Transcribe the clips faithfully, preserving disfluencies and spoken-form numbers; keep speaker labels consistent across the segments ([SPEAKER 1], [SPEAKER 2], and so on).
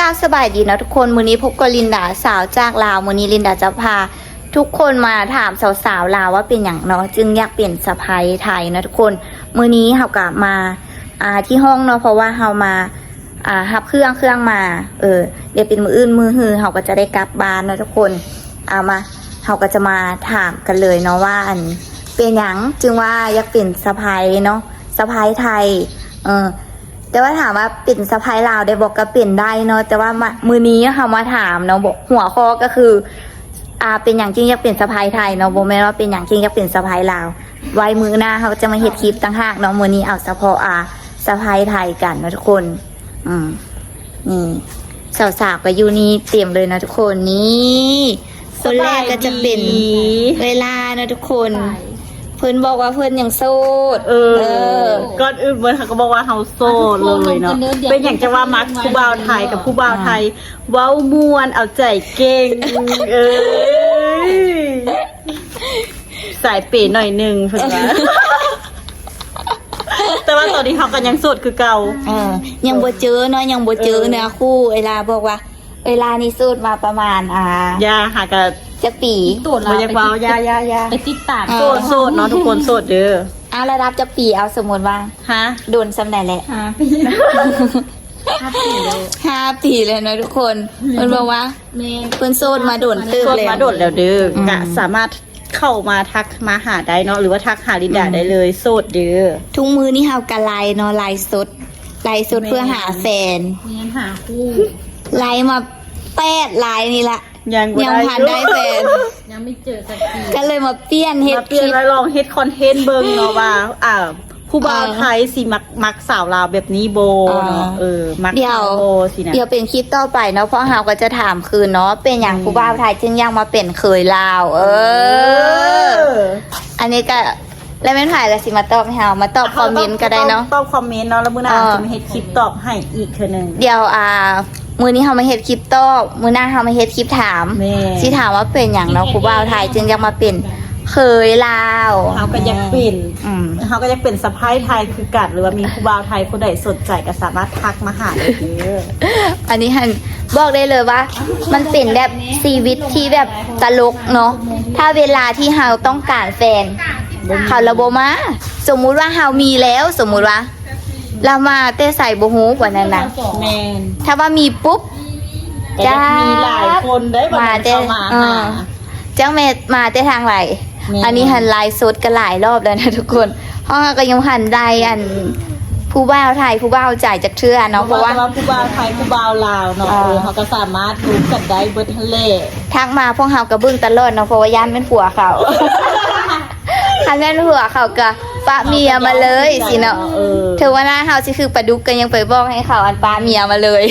[SPEAKER 1] ก้าวสบายดีนะทุกคนมื้อนี้พบกับลินดาสาวจากลาวมื้อนี้ลินดาจะพาทุกคนมาถามสาวๆลาวว่าเป็นอย่างเนาะจึงอยากเปลี่ยนสะใภ้ไทยนะทุกคนมื้อนี้เฮากลับมาอ่าที่ห้องเนาะเพราะว่าเฮามาอ่ารับเครื่องเครื่องมาเออเดี๋ยวเป็นมื้ออื่นมื้อฮือเฮาก็จะได้กลับบ้านนะทุกคนเอามาเฮาก็จะมาถามกันเลยเนาะว่าอันเป็นอย่างจึงว่าอยากเปลี่ยนสะใภ้เนาะสะใภ้ไทยเออแต่ว่าถามว่าเป็นสะใภ้ลาวได้บอกก็เปลี่ยนได้เนาะแต่ว่ามือนี้เขามาถามเนาะบอกหัวข้อก็คืออ่าเป็นอย่างจริงอยากเปลี่ยนสะใภ้ไทยเนาะบอกแม่ว่าเป็นอย่างจริงอยากเปลี่ยนสะใภ้ลาวไว้มือหน้าเขาจะมาเฮ็ดคลิปต่างหากเนาะมือนี้เอาเฉพาะอ่าสะใภ้ไทยกันนะทุกคนอืมนี่สาวๆก็อยู่นี่เตรียมเลยนะทุกคนนี่คนแรกก็จะเป็นเวลานะทุกคนเพิ่นบอกว่าเพิ่นยังโสด
[SPEAKER 2] เออก่อนอื่นเมื่อเขาก็บอกว่าเฮาโสดเลยเนาะเป็นอย่างจะว่ามักผู้บ่าวไทยกับผู้บ่าวไทยเว้าม่วนเอาใจเก่งเอ้ยสายเป๋หน่อยนึงเพิ่นว่าแต่ว่าตอนนี้เขาก็ยังโสดคือเก่า
[SPEAKER 1] เออยังบ่เจอเนาะยังบ่เจอเนื้อคู่เวลาบอกว่าเวลานี่โสดมาประมาณอ่าย
[SPEAKER 2] าหากับ
[SPEAKER 1] จะปี
[SPEAKER 2] ตัวเราไปติดยายายา
[SPEAKER 3] ไปติดตาม
[SPEAKER 2] โสดโสดเนาะทุกคนโสดเด้อ
[SPEAKER 1] เอาระดับจะปีเอาสมมติว่า
[SPEAKER 2] ฮะ
[SPEAKER 1] โดนสำแหน่งแหละ
[SPEAKER 3] ห้าปีห้าปีเลย
[SPEAKER 1] ห้าปีเลยนะทุกคนเพิ่นบอกว่าเพิ่นโสดมาโดนตึกเลย
[SPEAKER 2] โสดมาโดนแล้วเด้อกะสามารถเข้ามาทักมาหาได้เนาะหรือว่าทักหาลินดาได้เลยโสดเด้อ
[SPEAKER 1] ทุกมือนี่เฮากะไลเนาะไลสดไลสดเพื่อหาแฟน
[SPEAKER 3] เงี้ยหาคู่
[SPEAKER 1] ไลมาแปดไลนี่ละ
[SPEAKER 2] ยัง
[SPEAKER 1] ยังผ่านได้แฟน
[SPEAKER 3] ยังไม่เจอสักที
[SPEAKER 1] ก็เลยมาเปลี่ยนเฮ็ด
[SPEAKER 2] เปลี่ยนแล้วลองเฮ็ดคอนเทนต์เบิ่งเนาะว่าอ่าผู้บ่าวไทยสิมักมักสาวลาวแบบนี้โบเนาะเออมักสาวโบสินะ
[SPEAKER 1] เดี๋ยวเป็นคลิปต่อไปเนาะเพราะเฮาก็จะถามคืนเนาะเป็นอย่างผู้บ่าวไทยจึงยังมาเป็นเคยลาวเอออันนี้ก็แล้วแม่นถ่ายแล้วสิมาตอบให้เฮามาตอบคอมเมนต์ก็ได้เนาะ
[SPEAKER 2] ตอบคอมเมนต์เนาะแล้วมื้อหน้าจะมาเฮ็ดคลิปตอบให้อีกเทื่อนึง
[SPEAKER 1] เดี๋ยวอ่ามื้อนี้เฮามาเฮ็ดคลิปตอบมื้อหน้าเฮามาเฮ็ดคลิปถามสิถามว่าเป็นหยังเนาะผู้บ่าวไทยจึงยังมาเป็นเคยลาว
[SPEAKER 2] เฮาก็อยากเป็นอืมเฮาก็อยากเป็นสะใภ้ไทยคือกันหรือว่ามีผู้บ่าวไทยคนใดสนใจก็สามารถทักมาหาได้เด้อ
[SPEAKER 1] อันนี้หันบอกได้เลยว่ามันเป็นแบบชีวิตที่แบบตลกเนาะถ้าเวลาที่เฮาต้องการแฟนเขาระบบมาสมมุติว่าเฮามีแล้วสมมุติว่าเรามาเต้ใส่บ่ฮู้กว่านั้นนะ
[SPEAKER 2] แม่น
[SPEAKER 1] ถ้าว่ามีปุ๊บ
[SPEAKER 2] จะมีหลายคนได้บ่เข้ามาหา
[SPEAKER 1] จังแม่มาเต้ทางไหลอันนี้หันไลฟ์สดกันหลายรอบแล้วนะทุกคนเพราะก็ยังหันได้อันผู้บ่าวไทยผู้บ่าวจ่ายจากเทื่อเนาะเพราะว่า
[SPEAKER 2] ผู้บ่าวไทยผู้บ่าวลาวเนาะเออเขาก็สามารถรู้กันได้เบิดทะเล
[SPEAKER 1] ทักมาพวกเฮาก็เบิ่งตลอดเนาะเพราะว่าย่านเป็นผัวเขาคันแม่นผัวเขาก็ปะเมียมาเลยสิเนาะเธอว่าหน้าเฮาสิคือปลาดุกกันยังไปบอกให้เขาอันปะเมียมาเลย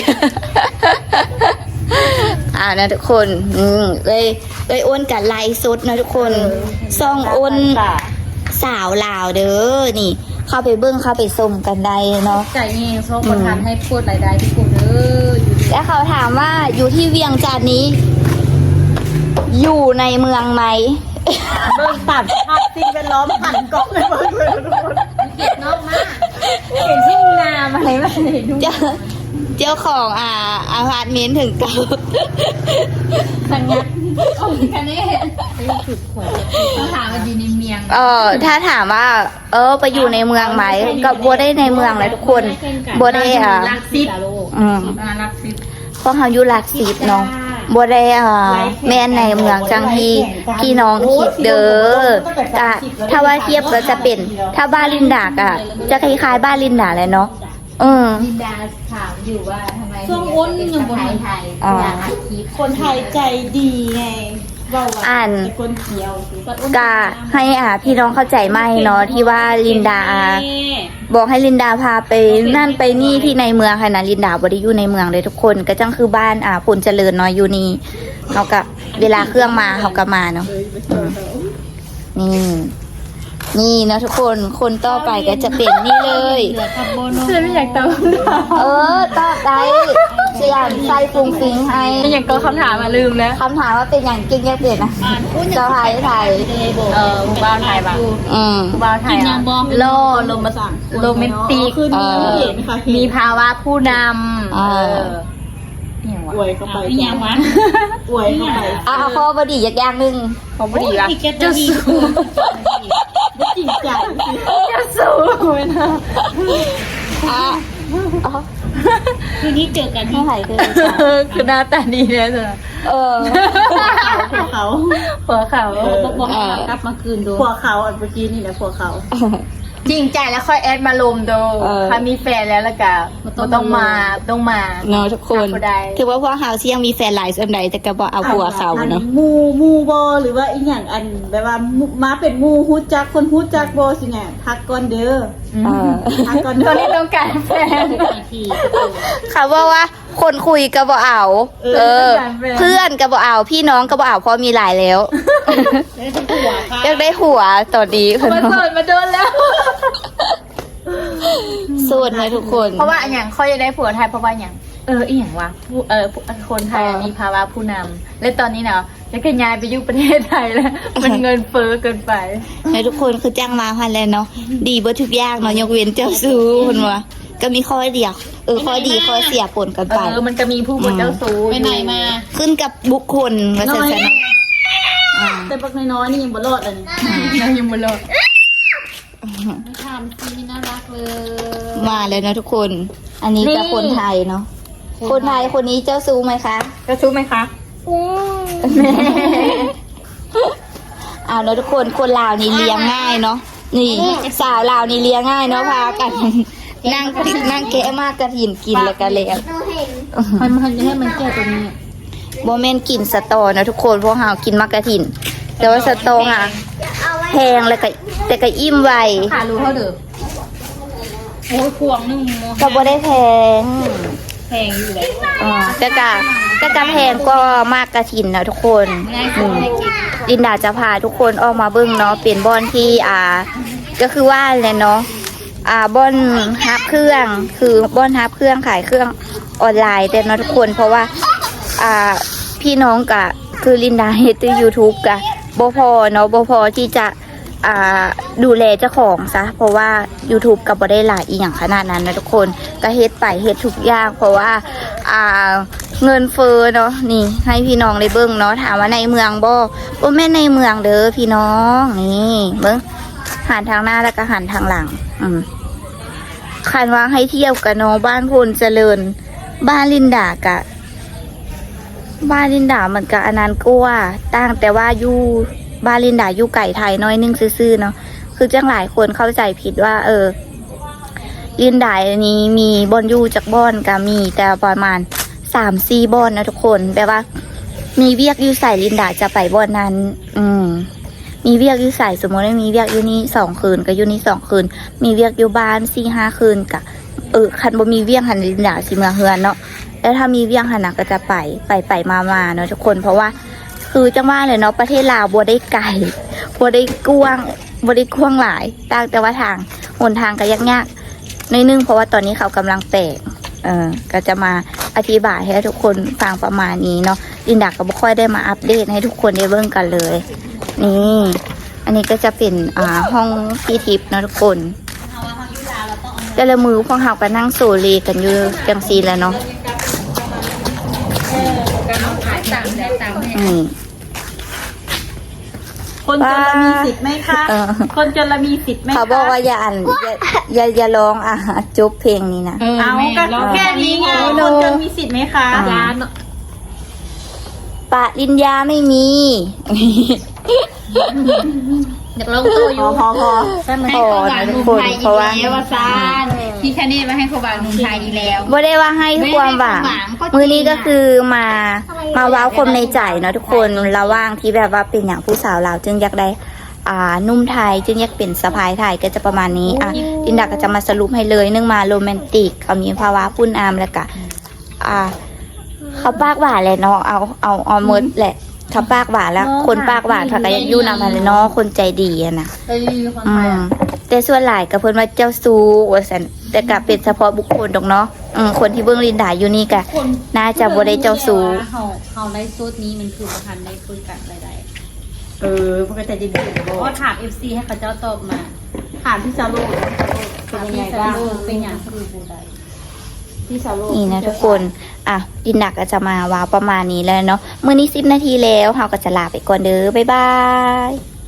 [SPEAKER 1] อ่านะทุกคนอืมเลยเลยอ้นกับไลฟ์สดนะทุกคนซ่องอ้นสาวลาวเด้อนี่เข้าไปเบิ้งเข้าไปชมกันได้เนาะ
[SPEAKER 3] ใจเองชอบคนทำให้พูดรายได้ที่กูเด้อ
[SPEAKER 1] แล้วเขาถามว่าอยู่ที่เวียงจันทร์นี้อยู่ในเมืองไหม
[SPEAKER 2] เบิ้งตัดภาพสิ่งแวดล้อมหันกล้องเลยเบิ้งเลยทุกคน
[SPEAKER 3] เก็บนอกมากเห็นที่นามาอะไรมาไหนดู
[SPEAKER 1] เจ้าของอ่าอาพาร์ตเมนต์ถึงเก่า
[SPEAKER 3] สัญญาโอ้ยคันนี้ไม่ถูกขอต้องถามว่าอยู่ในเมือง
[SPEAKER 1] เออถ้าถามว่าเออไปอยู่ในเมืองไหมก็บัวได้ในเมืองเลยทุกคนบัวได้อ่า
[SPEAKER 3] ลักซิป
[SPEAKER 1] อืม
[SPEAKER 3] ลักซิป
[SPEAKER 1] เพราะเขาอยู่ลักซิปเนาะบัวได้อ่าแม่ในเมืองจังที่พี่น้องคิดเด้อกะถ้าว่าเทียบก็จะเป็นถ้าบ้านลินดากะจะคล้ายๆบ้านลินดาเลยเนาะอืม
[SPEAKER 3] ลินดาถามอยู่ว่าทำไมช่วงอ้นยังคนไทยอยากอัดคลิป
[SPEAKER 2] คนไทยใจดีไง
[SPEAKER 1] อ่าน
[SPEAKER 2] คนเขียว
[SPEAKER 1] กะให้อ่าพี่น้องเข้าใจไหมเนาะที่ว่าลินดาบอกให้ลินดาพาไปนั่นไปนี่ที่ในเมืองค่ะนะลินดาบ่ได้อยู่ในเมืองเลยทุกคนก็จังคือบ้านอ่าพลเจริญเนาะอยู่นี่เขากับเวลาเครื่องมาเขาก็มาเนาะนี่นี่นะทุกคนคนต่อไปก็จะเป็นนี่เลย
[SPEAKER 3] เชื่อไม่อยากตอบ
[SPEAKER 1] เออตอบได้เสียงใส่ฟุ้งฟิ้งให้
[SPEAKER 3] ไม่อยากก็คำถามมาลืมแล้ว
[SPEAKER 1] คำถามว่าเป็นอย่างจริงยังเปลี่ยนนะเจ้าไทยไทย
[SPEAKER 3] เออบ้านไทยบ้าง
[SPEAKER 1] อืม
[SPEAKER 3] บ้านไทยโลลมมาสั่งโรแมนติกมีภาวะผู้นำเออเนี่ย
[SPEAKER 2] อวยเข้าไป
[SPEAKER 3] อีหยังวะ
[SPEAKER 2] อวยเข้าไป
[SPEAKER 1] เอาเอาข้อบดีอยากย่างหนึงขอบดีละ
[SPEAKER 3] อีกแกจะมี
[SPEAKER 2] ไม่จริงใจสิ
[SPEAKER 1] จะสู้ไม่นะอ่ะอ๋อ
[SPEAKER 3] คืนนี้เจอกัน
[SPEAKER 1] ไม่
[SPEAKER 3] ที่
[SPEAKER 1] หายเลย
[SPEAKER 3] คือหน้าตาดีเนี่ยเธอ
[SPEAKER 1] เออ
[SPEAKER 2] ผัวเขา
[SPEAKER 3] ผัวเขาต้องบอกให้กลับมาคืนดู
[SPEAKER 2] ผัวเขาอันเมื่อกี้นี่แหละผัวเขา
[SPEAKER 3] จริงใจแล้วค่อยแอดมาลมดู
[SPEAKER 1] เออ
[SPEAKER 3] ถ้ามีแฟนแล้วแล้วก็บ่ต้องมาต้องมา
[SPEAKER 1] เนาะทุกคน
[SPEAKER 3] หาบ่ได้
[SPEAKER 1] ถือว่าพวกเฮาที่ยังมีแฟนหลายส่วนใดแต่ก็บ่เอาผัวเขาเนาะ
[SPEAKER 2] อัมูมูบอหรือว่าอีหยังอันแบบว่ามูมาเป็นมูฮู้จักคนฮู้จักบอสิเนี่ยทักก่อนเด้อ
[SPEAKER 1] เออ
[SPEAKER 2] ทักก่อน
[SPEAKER 3] ต
[SPEAKER 2] เด้
[SPEAKER 3] อน
[SPEAKER 2] อ
[SPEAKER 3] นี้ต้องการแฟน
[SPEAKER 1] เขาบอกว่าคนคุยก็บ่เอา เออ เพื่อนก็บ่เอา พี่น้องก็บ่เอาเพราะมีหลายแล้วอยากได้หัวตอนนี้
[SPEAKER 3] มาเปิดมาโดนแล้ว
[SPEAKER 1] ส่วนเลยทุกคน
[SPEAKER 3] เพราะว่าอย่างเขาจะได้ผัวไทยเพราะว่าอย่างเอออีหยังวะผู้เออผู้คนไทย
[SPEAKER 1] เออ
[SPEAKER 3] มีภาวะผู้นำและตอนนี้เนาะจะกย้ายไปอยู่ประเทศไทยแล้ว มันเงินเฟ้อเกินไป
[SPEAKER 1] ให้ทุกคนคือจ้างมาพันแล้วเนาะดีเบิดทุกอย่างเนาะยกเว้นเจ้าซูคนว่าก็มีข้อเดียวเออข้อดีข้อเสียปนกัน
[SPEAKER 3] เอ
[SPEAKER 1] ไป
[SPEAKER 3] อมันก็มีผู้เป็นเจ้าสู้
[SPEAKER 4] ไปไหนมา
[SPEAKER 1] ขึ้นกับบุคคลว่าซั่นซะเนาะอ่า
[SPEAKER 2] แต่บักน้อยๆนี่ยังบ่รอดเลยนี่
[SPEAKER 3] เรายังไม่รอด
[SPEAKER 4] ไม่ทำซีน่ารักเลย
[SPEAKER 1] มาเลยนะทุกคน อันนี้จะคนไทยเนาะคนไทยคนนี้เจ้าซูไหมคะ
[SPEAKER 3] เจ้าสู้ไหมคะ
[SPEAKER 1] เอาเนาะทุกคนคนลาวนี่เลี้ยงง่ายเนาะนี่สาวลาวนี่เลี้ยงง่ายเนาะพากัน นั่งนั่งแกะมากกระถินกินแล้วก็แล้ว
[SPEAKER 3] มันมันให้มันแก้ตัวนี้
[SPEAKER 1] โมเมนกินสตอเนาะทุกคนพวกเฮากินมากกระถิน แต่ว่าสตอค่ะแพงแล้วก็แต่ก็อิ่มไว
[SPEAKER 3] ขารู้เท่าเดิม
[SPEAKER 4] โอ้ยพวงนึงโม
[SPEAKER 1] ก็บ่ได้แพง
[SPEAKER 4] แพงอยู่เลย
[SPEAKER 1] อ่าแต่ก็แต่ก็แพงก็มากกระถินนะทุกคนอืมลินดาจะพาทุกคนออกมาเบิ่งเนาะเป็นบ่อนที่อ่า ก็คือว่าเลยเนาะอ่าบ่อนฮับเครื่องคือบ่อนฮับเครื่องขายเครื่องออนไลน์แต่เนาะทุกคนเพราะว่าอ่าพี่น้องกะคือลินดาเฮ็ดใน YouTube กะบ่พอเนาะบ่พอที่จะอ่าดูแลเจ้าของซะเพราะว่า YouTube ก็บ่ได้หลายอีหยังขนาดนั้นนะทุกคนก็เฮ็ดไปเฮ็ดทุกอย่างเพราะว่าอ่าเงินเฟ้อเนาะนี่ให้พี่น้องได้เบิ่งเนาะถามว่าในเมืองบ่บ่แม่นในเมืองเด้อพี่น้องนี่เบิ่ง หันทางหน้าแล้วก็หันทางหลัง อืมคันว่าให้เที่ยวกับน้องบ้านพลเจริญ บ้านลินดากะ บ้านลินดามันก็อันนั้นกว่าต่างแต่ว่าอยู่บ้านลินดาอยู่ไก่ไทยน้อยนึงซื่อๆเนาะ คือจังหลายคนเข้าใจผิดว่า เออ ลินดาอันนี้มีบอนอยู่จากบอนก็มี แต่ประมาณสามสี่บอนนะทุกคนแปลว่า มีเวียกอยู่ใส่ลินดาจะไปบอนนั้น อืม มีเวียกอยู่ใส่สมมติว่ามีเวียกอยู่นี่สองคืนกับอยู่นี่สองคืน มีเวียกอยู่บ้านสี่ห้าคืนกับเออคันบ่มีเวียกหันลินดาสิเมืองเฮือนเนาะแล้วถ้ามีเวียกหันน่ะก็จะไปไปไปมามาเนาะทุกคนเพราะว่า คือจังว่าเลยเนาะประเทศลาวบ่ได้ไกลบ่ได้กว้างบ่ได้กว้างหลายต่างแต่ว่าทางหนทางก็ยากๆในอยนึงเพราะว่าตอนนี้เขากำลังแตกเออก็จะมาอธิบายให้ทุกคนฟังประมาณนี้เนาะลินดาก็บ่ค่อยได้มาอัปเดตให้ทุกคนได้เบิ่งกันเลย นี่ อันนี้ก็จะเป็นอ่าห้องพี่ทิพย์นะทุกคนแต่ละมือพวกเราก็นั่งโซเลกันอยู่จังซีแล้วเนาะ
[SPEAKER 3] การขายต่างแต่ต่างแม่
[SPEAKER 1] อืม
[SPEAKER 2] คนจนเรามีสิทธิ์ไหมคะ
[SPEAKER 1] เออ
[SPEAKER 2] คนจนเรามีสิทธิ์ไหมคะ
[SPEAKER 1] เขาบอกว่าอย่าอ่านอย่าอย่าอย่าร้องอ่ะจบเพลงนี้นะ
[SPEAKER 2] เอาก็แค่นี้ไงคนจนมีสิทธิ์ไหมคะ
[SPEAKER 1] อ่า
[SPEAKER 3] ยาน
[SPEAKER 1] ปะลินยาไม่มี
[SPEAKER 3] อยากลงตัวอ
[SPEAKER 2] พอยู่ พอพอ
[SPEAKER 3] ให้เขาบางหนุ่มไทยอีกแล้วว่าซานพี่แค่นี้มาให้เขาบางหนุ่มไทยอีกแล้ว
[SPEAKER 1] บ่ได้ว่าให้ความหวัง
[SPEAKER 3] ไม่ได้ความหวังก็จริง
[SPEAKER 1] มือนี้ก็คือมามาเว้าความในใจเนาะทุกคนระหว่างที่แบบว่าเป็นอย่างผู้สาวลาวจึงอยากได้ อ่านุ่มไทยจึงอยากเป็นสะพายไทยก็จะประมาณนี้อ่ะลินดาก็จะมาสรุปให้เลยเนื่องมาโรแมนติกเขามีภาวะพุ่นอามแล้วก็อ่า เขาปากหวานเลยเนาะเอาเอาเอาหมดแหละเขาปากหวานแล้ว คนปากหวานเขาก็ยังอยู่นำมาเลยเนาะคนใจดีอะนะ
[SPEAKER 3] เฮ้ยคน
[SPEAKER 1] อื
[SPEAKER 3] ไทย
[SPEAKER 1] ม
[SPEAKER 3] อ่ะ
[SPEAKER 1] แต่ส่วนหลายกับเพิ่นว่าเจ้าซูว่าสันแต่กลับเป็นเฉพาะบุคคลดอกเนาะอืมคนที่เบิ่งลินดาอยู่นี่ก็น่าจะบ่ได้เจ้าซู
[SPEAKER 4] เขาเขาไลฟ์สดนี้มันคือประพันธ์ในคุยกันใด
[SPEAKER 2] เออมันก็จะดีๆ
[SPEAKER 4] ๆเพราะว่าถามเอฟซีให้เขาเจ้าตอบมา
[SPEAKER 2] ถามพี่ซาโลเป็น
[SPEAKER 4] ถาม
[SPEAKER 2] ยังไง
[SPEAKER 4] พี่ซา
[SPEAKER 2] บ้าง
[SPEAKER 4] โลเป็นอย่างคือบูได
[SPEAKER 2] พี่ซาโล
[SPEAKER 1] นี่นะทุกคนอ่ะอ่ะดินดักก็จะมาว้าวประมาณนี้แล้วเนาะมื้อนี้สิบนาทีแล้วเราก็จะลาไปก่อนเด้อบ๊ายบาย